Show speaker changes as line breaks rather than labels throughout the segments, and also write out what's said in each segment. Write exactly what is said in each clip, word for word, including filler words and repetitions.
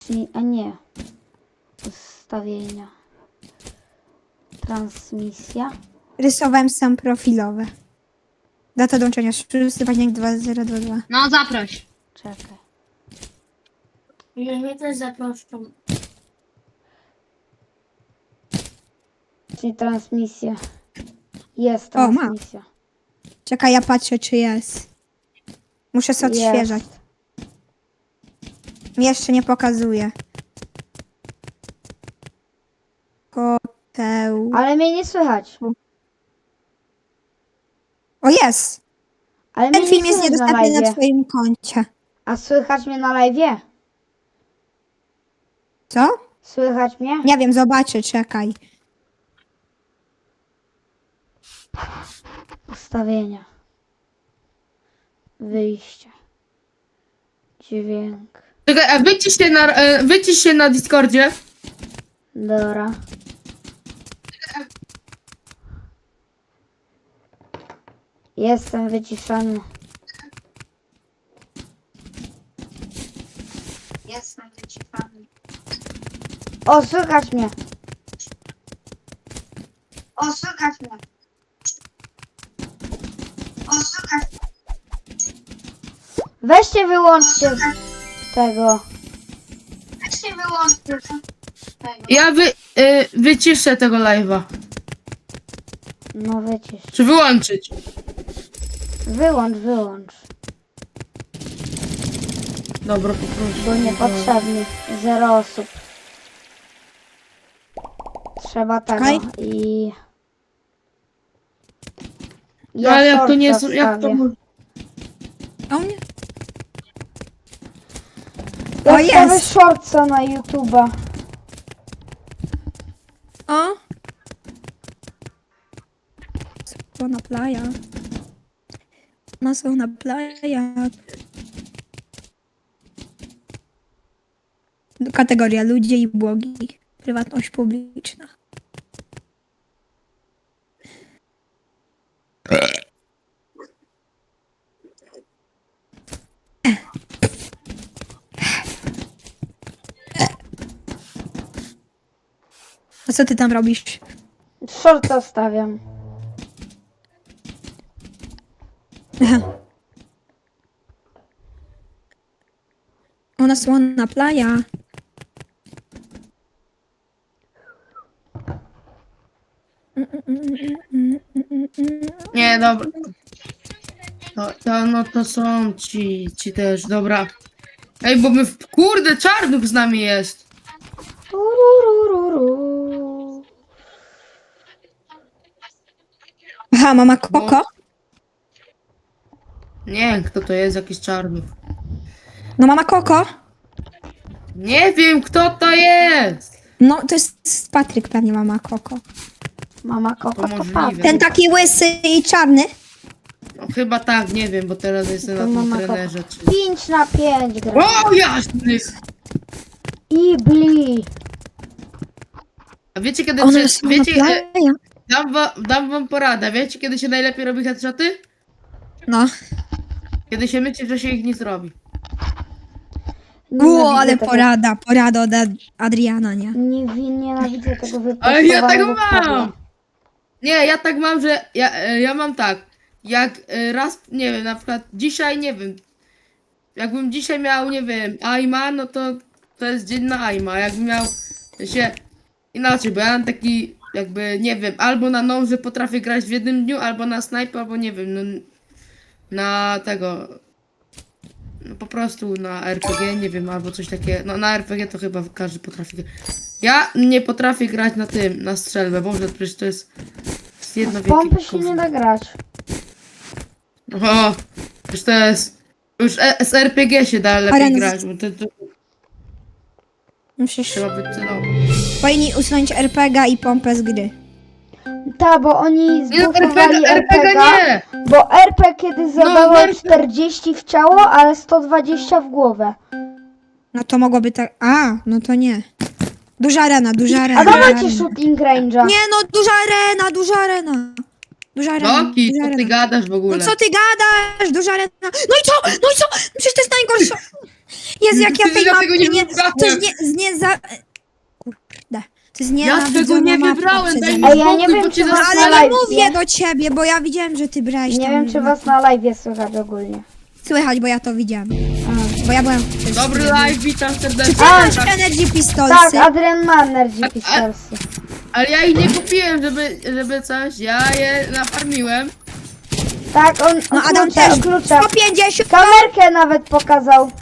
Czyli- A nie. Ustawienia. Transmisja.
Rysowałem sam profilowe. Data dołączenia szósty październik dwa zero dwa dwa.
No zaproś.
Czekaj.
Ja mnie też zaproszą.
Czyli transmisja. Jest
O, ma.
transmisja.
Czekaj, ja patrzę, czy jest. Muszę sobie
Jest.
odświeżać. Mi jeszcze nie pokazuje. Koteł.
Ale mnie nie słychać.
O, jest!
Ale
Ten
mnie
film
nie
jest
słychać na
niedostępny na
live.
twoim koncie.
A słychać mnie na live?
Co?
Słychać mnie?
Nie wiem, zobaczę, czekaj.
Ustawienia. Wyjście. Dźwięk.
Czekaj, a wycisz się na, e, wycisz się na Discordzie.
Dobra. Jestem wyciszony.
Jestem wyciszony.
O, słychać mnie.
O, słychać mnie. O, słychać.
Weźcie wyłączcie tego.
Weź się wyłączcie.
Ja wy, e, wyciszę tego live'a.
No wycisz.
Czy wyłączyć?
Wyłącz, wyłącz.
Dobra, poproszę.
Bo niepotrzebny. Zero osób. Trzeba tego
Czekaj.
i...
No ale jak to nie jest,
shortsa
jak to...
wstawię.
mo-
O mnie?
Ja
O,
wstawię
jest!
shortsa na YouTube'a.
O! Słona playa. No, słona playa. Kategoria ludzie i blogi. Prywatność publiczna. A co ty tam robisz?
Shortsa wstawiam.
Ona słona playa.
Nie, dobra. To, to, no to są ci, ci też, dobra. Ej, bo my, w, kurde, Czarnów z nami jest.
Tururururu.
Aha, mama Koko?
Nie wiem, kto to jest, jakiś Czarnów.
No mama Koko?
Nie wiem, kto to jest.
No to jest Patryk pewnie mama Koko.
Mama Koko
To
to
możliwe.
Patryk.
Ten taki łysy i czarny?
No, chyba tak, nie wiem, bo teraz jestem
To
na tym
mama
trenerze. Czy...
pięć na pięć gra.
O, jasny!
Ibli.
A wiecie, kiedy
Ona
się,
jest słona
wiecie, e,
playa.
dam, wa, dam wam poradę, wiecie, kiedy się najlepiej robi headshoty?
No.
Kiedy się mycie, że się ich nie zrobi.
Ło,
Nienawidzę
ale
tego-
porada, porada od Ad- Adriana, nie?
Nie, nienawidzę tego
Ale ja tak
wyprostowanego kabla.
mam! Nie, ja tak mam, że ja, e, ja mam tak, jak e, raz, nie wiem, na przykład dzisiaj, nie wiem, jakbym dzisiaj miał, nie wiem, aima, no to to jest dzień na aima, jakbym miał się inaczej, bo ja mam taki, jakby, nie wiem, albo na noże potrafię grać w jednym dniu, albo na sniper, albo nie wiem, no, na tego, no po prostu na R P G, nie wiem, albo coś takiego, no na R P G to chyba każdy potrafi grać. Ja nie potrafię grać na tym, na strzelbę, Boże, przecież to jest, to jest jedno
W
wielkie
pompy się
gówno.
nie da grać.
O, już to jest, już e- z R P G się da lepiej
Arena-
grać, bo to, to
Musisz...
trzeba być celowo.
Powinni usunąć er pe gie i pompę z gry.
Ta, bo oni
Nie, no,
zblokowali
R P G
R P G,
nie!
bo R P kiedy zadało
R P
czterdzieści w ciało, ale sto dwadzieścia w głowę.
No to mogłoby tak... A, no to nie. Duża arena, duża arena.
A
duża
dawajcie
arena.
shooting range'a.
Nie no, duża arena, duża arena. Duża arena,
Loki,
duża
co ty
arena.
gadasz w ogóle?
No co ty gadasz? Duża arena. No i co? No i co? Przecież to jest najgorsza. Jezu, jak ja
Ty
tej
ja
mapy
tego nie
nie...
wybrałem.
To jest nie... z nie za... Kurde. To jest nie
Ja tego nie wybrałem, daj mi
Ej, ja nie
spokój,
wiem,
bo
czy
cię
was
No
na
ale
zastanę.
nie
live,
mówię
nie?
do ciebie, bo ja widziałem, że ty brałeś
Nie
tam...
wiem, czy was na live słychać ogólnie.
Słychać, bo ja to widziałem. Bo ja byłem... w tym
Dobry
streamie.
live, witam
Czy
serdecznie.
ty masz Energy Pistolsy?
Tak, Adrian ma Energy
A- a-
Pistolsy.
Ale ja ich nie kupiłem, żeby, żeby coś, ja je nafarmiłem.
Tak, on
No
o
Adam
klucze,
też.
o klucze.
sto pięćdziesiąt!
Kamerkę nawet pokazał.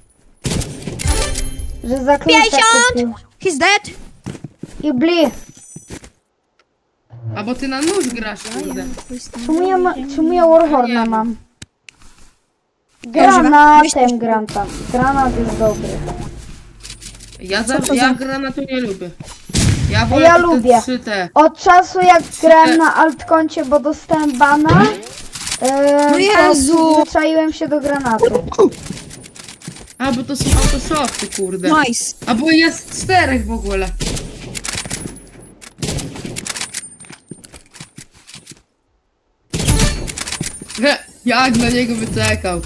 Że za klucze
pięćdziesiąt!
kupił.
He's dead!
I bli.
A bo ty na nóż grasz, kurde.
Czemu ja, ma, czemu ja Warhorna
Nie.
mam?
Dobrze,
Granatem
weź-
gram tam. Granat jest dobry.
Ja, za,
to
ja
za-
granatu nie lubię. Ja wolę
ja
te
lubię.
trzy te.
Od czasu jak grałem na altkoncie, bo dostałem bana, yy,
No
to
Jezu!
przyzwyczaiłem się do granatu.
A, bo to są autoshoty, kurde.
Nice.
A bo jest czterech w ogóle. He, jak na niego wyczekał.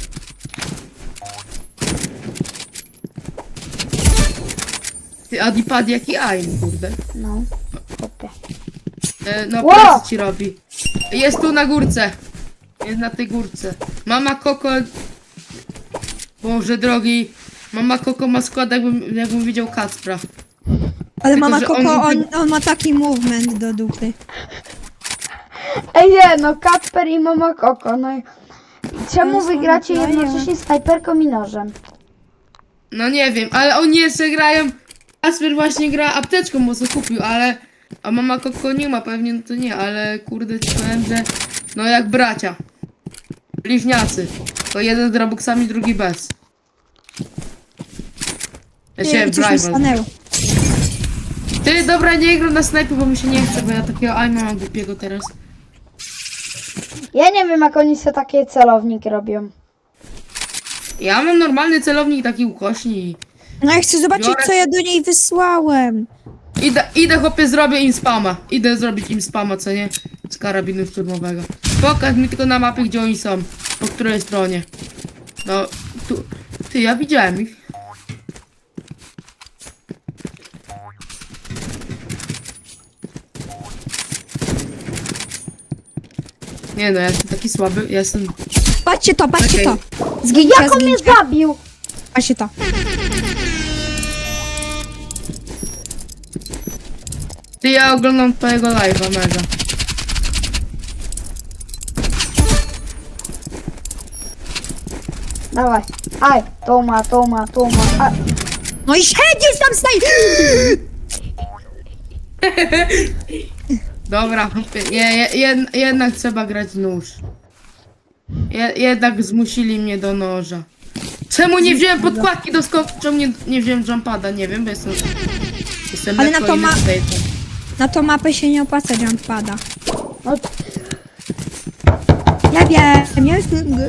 Ty, Adipad jaki aim, kurde.
No, kopie.
E, no,
Wow!
pracy ci robi. Jest tu na górce. Jest na tej górce. Mama Koko... Boże drogi. Mama Koko ma skład, jakbym, jakbym widział Kacpra.
Ale
Tylko,
mama
że
Koko,
on-
on, on ma taki movement do dupy.
Ej nie, no Kacper i Mama Koko, no i... Czemu
No,
wygracie
no,
jednocześnie snajperką i nożem?
No nie wiem, ale oni jeszcze grają. Kacper właśnie gra apteczką, bo co kupił, ale. A mama Koko nie ma, pewnie no to nie, ale kurde ci powiem, że. No jak bracia. Bliźniacy. To jeden z Robuxami, drugi bez. Ja się
Ty, coś mi
rival.
stanęło.
Ty dobra, nie gram na snajpy, bo mi się nie chce, bo ja takiego aima mam głupiego teraz.
Ja nie wiem, jak oni sobie takie celowniki robią.
Ja mam normalny celownik taki ukośni i.
No ja chcę zobaczyć,
Biorę-
co ja do niej wysłałem.
Idę, idę chłopie, zrobię im spama. Idę zrobić im spama, co nie? Z karabinu szturmowego. Pokaż mi tylko na mapie, gdzie oni są. Po której stronie. No, tu. Ty, ja widziałem ich. Nie no, ja jestem taki słaby, ja jestem...
Patrzcie to, patrzcie
Okej.
to. Zgincie,
Jak on mnie
zgincie.
zabił?
Patrzcie to.
Ty, ja oglądam twojego live'a, mega.
Dawaj. Aj, to ma, to ma, to ma. A,
No i siedzisz tam, staj!
Dobra, chłopie, nie, je, jed, jednak trzeba grać nóż. Je, jednak zmusili mnie do noża. Czemu nie wziąłem podkładki do skoku? Czemu nie, nie wziąłem jumpada? Nie wiem, bo jestem... Jestem
Ale
lekko
na to ma-
irritated.
Na tą mapę się nie opłaca jumpada.
no,
Ja wiem, ja jestem...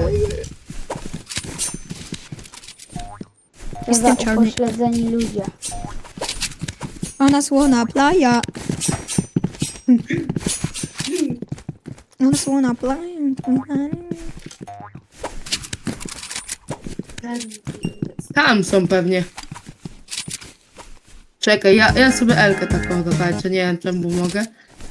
to za
Jestem czarny.
upośledzeni ludzie.
Ona słona playa. Ona słona playa.
Tam są pewnie. Czekaj, ja, ja sobie Elkę taką dotańczę, nie wiem czemu mogę.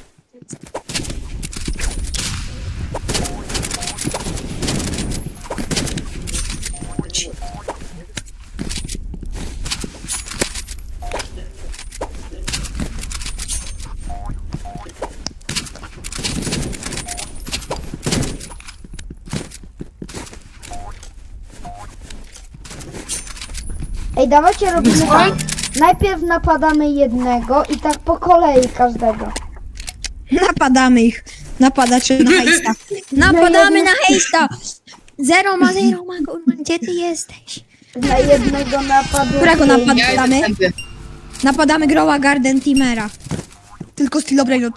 Ej, dawajcie robimy
Co?
tak. Najpierw napadamy jednego i tak po kolei każdego.
Napadamy ich. Napadaczy na hejsta. Napadamy na hejsta. Zero ma, zero ma, górma. Gdzie ty jesteś?
Na jednego napadu.
Którego
pięć.
napadu?
Ja
Damy?
jestem tędy.
Napadamy Groła Garden Timera. Tylko styl Brainrot.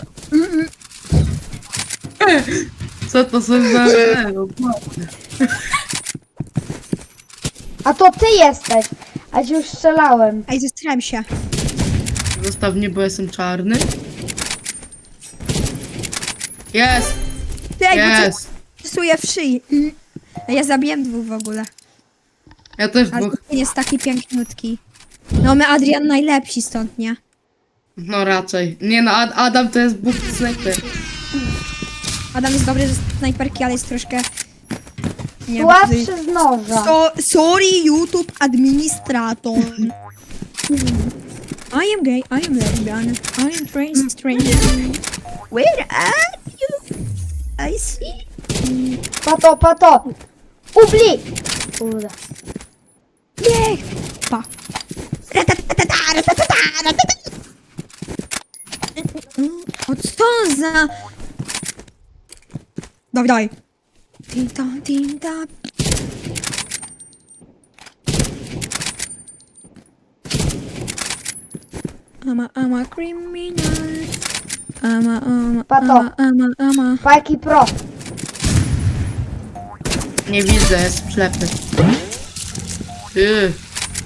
Co to są za...
A to ty jesteś. A ci już strzelałem.
Ej, zestrałem się.
Zostaw mnie, bo jestem czarny. Jest!
Ty, ej, bo
Jest!
co psuje w szyi. Ej, ja zabiłem dwóch w ogóle.
Ja też
Ale
dwóch.
ten jest taki piękniutki. No my Adrian najlepsi stąd, nie?
No raczej. Nie no, Ad Adam to jest Bóg snajper.
Adam jest dobry ze snajperki, ale jest troszkę... Nie wiem,
Słabszy z noża.
so, sorry, YouTube administrator. I am gay, I am lesbian, I am trans stranger. Where are you? I see.
Pato, pato. Ubli! Kurde.
Nie! Pa. Ratatatata, ratatata, ratatata. O co za... Dawaj, dawaj. Tim tam, tim tam. I'm a, I'm a criminal. I'm a, I'm a,
Pato.
I'm a, I'm a, I'm a.
Pajki pro.
Nie widzę, jest ślepy. Ty.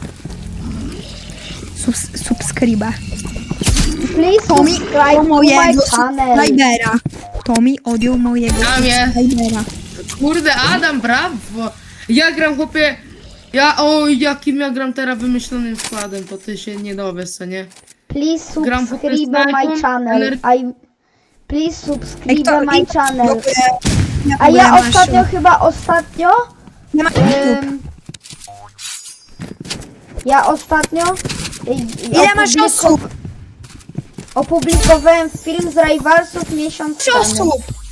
Subs, subskryba.
Please
Tommy
subscribe
o
to my
mojego
channel.
subskrybera. Tommy odjął mojego
Damie.
subskrybera.
Kurde, Adam, brawo! Ja gram, chłopie... Ja, o, jakim ja gram teraz wymyślonym składem, to ty się nie dowiesz, co nie?
Please
Gram
subscribe
po
my
prostu
channel.
ener-
I... Please
Ej,
subscribe
kto-
my
i-
channel.
w ogóle- w
A
ogóle
ja
masz-
ostatnio chyba ostatnio...
Nie ma YouTube.
Ym, ja ostatnio... y,
Ile masz
opubliko-
osób?
Opublikowałem film z Rivalsów miesiąc
Trzy
temu.
osób!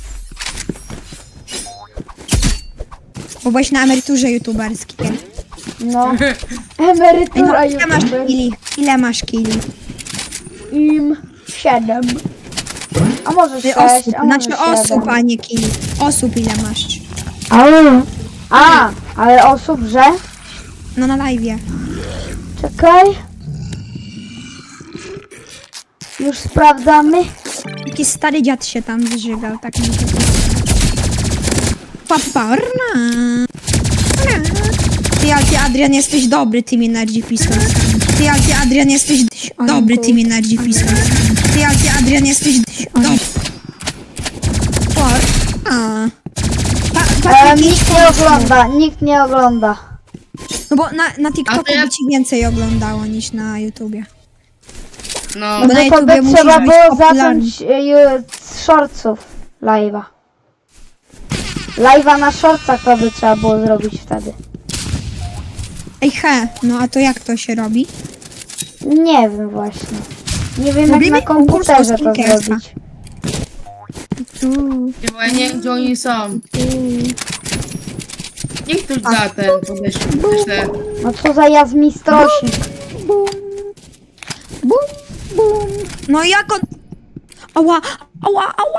Bo byłeś na emeryturze youtuberskiej.
No.
Ej,
Emerytura
no, ile masz
youtuber.
kili? Ile masz kili?
Im siedem. A może
Ty
sześć,
osób,
a może
znaczy osób,
siedem.
a nie kili. Osób ile masz?
A, a, ale osób, że?
No na live'ie.
Czekaj. Już sprawdzamy.
Jakiś stary dziad się tam zżygał, tak mi to... Paparna. Ty, ale ty Adrian jesteś dobry tymi Energy Pistolsami. Ty, ale ty Adrian jesteś dobry tymi Energy Pistolsami. Ty, ale ty Adrian jesteś dobry. A. Pa,
E,
Patryk, idź
nikt nie
pomóż mu.
ogląda, nikt nie ogląda.
No bo na, na
A
TikToku
to ja-
by ci więcej oglądało niż na YouTubie.
No,
Bo
No
na
to
YouTubie
by
musisz
trzeba
być
było
popularny.
zacząć e, z shortsów live'a. Live'a na shortsach to by trzeba było zrobić wtedy.
Ej he, no a to jak to się robi?
Nie wiem właśnie. Nie wiem
Robimy
jak na
konkurs
komputerze to
Ostinkersa.
zrobić.
Tu,
bo ja nie wiem, gdzie oni są. Niech ktoś da ten, podeślę. Wyślę.
No co za jazmistrosik.
bum, bum, bum. No i jak on... Ała, ała, ała.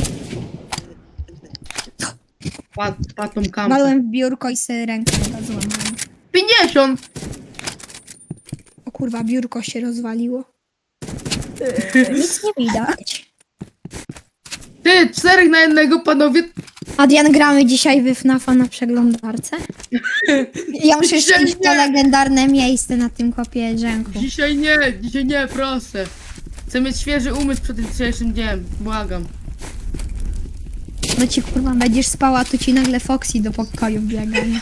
Pat, patą kampę.
Walłem w biurko i sobie rękę chyba złamałem.
pięćdziesiąt!
O kurwa, biurko się rozwaliło. Nic nie widać.
Ty, czterech na jednego, panowie.
Adrian, gramy dzisiaj w F NAF-a na przeglądarce? Ja muszę
Dzisiaj
iść w to
nie.
legendarne miejsce na tym kopie drzęku.
Dzisiaj nie, dzisiaj nie, proszę. Chcę mieć świeży umysł przed jutrzejszym dniem. Błagam.
No ci kurwa będziesz spała, to ci nagle Foxy do pokoju biega, nie?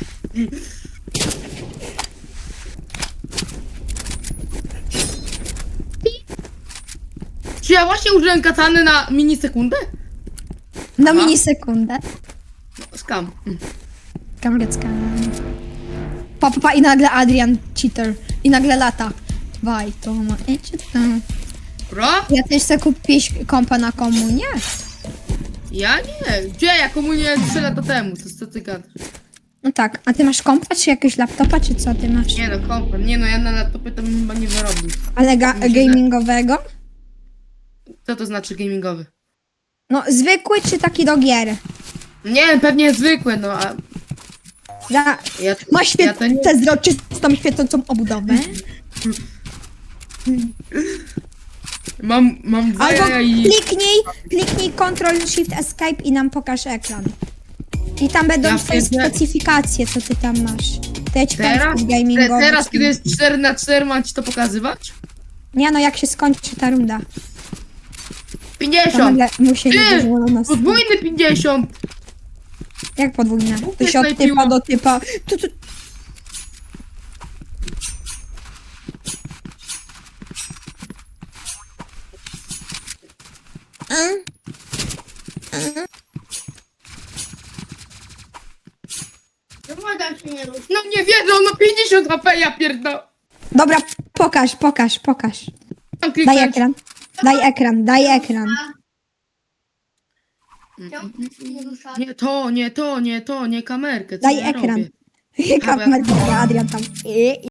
Czy ja właśnie użyłem katany na minisekundę?
Na
Aha.
minisekundę.
No, skam.
Kamrecka. Pa, pa, pa, i nagle Adrian, cheater. I nagle lata. Waj, to ma... e, czy tam.
Bro?
Ja też chcę kupić kompa na komunię.
Ja nie. Gdzie? Ja komunię trzy lata temu. To co ty gadasz?
No tak, a ty masz kompa, czy jakiegoś laptopa, czy co ty masz?
Nie no, kompa. Nie no, ja na laptopie to bym chyba nie wyrobił.
Ale ga- gamingowego?
Co to znaczy gamingowy?
No, zwykły czy taki do gier?
Nie, pewnie zwykły, no a...
Za...
Ja,
Ma
ja to nie...
świetną, świecącą obudowę.
Mam, mam dwa
Albo
jaja i...
kliknij, kliknij Ctrl Shift Escape i nam pokaż ekran. I tam będą
Ja
twoje
pierdolę.
specyfikacje, co ty tam masz. To ja ci powiem
Teraz?
w gamingowy.
Te, teraz, kiedy jest cztery na cztery, mam ci to pokazywać?
Nie no, jak się skończy ta runda. To
pięćdziesiąt!
nagle mu się nie
Ty!
dozwolono nas.
Podwójny pięćdziesiąt!
Jak podwójne? To
Kupię
się od
snajpiło.
typa do typa. Tu, tu.
Pomagam się nie rusz.
No nie wierzę, on ma pięćdziesiąt H P, ja pierdolę.
Dobra, pokaż, pokaż, pokaż.
Mam
Daj
kliknąć.
ekran. Daj ekran, daj ekran.
Nie ruszaj.
Nie to, nie to, nie to, nie kamerkę. Co
Daj
ja
ekran.
robię?
Kamerka, Adrian tam. I,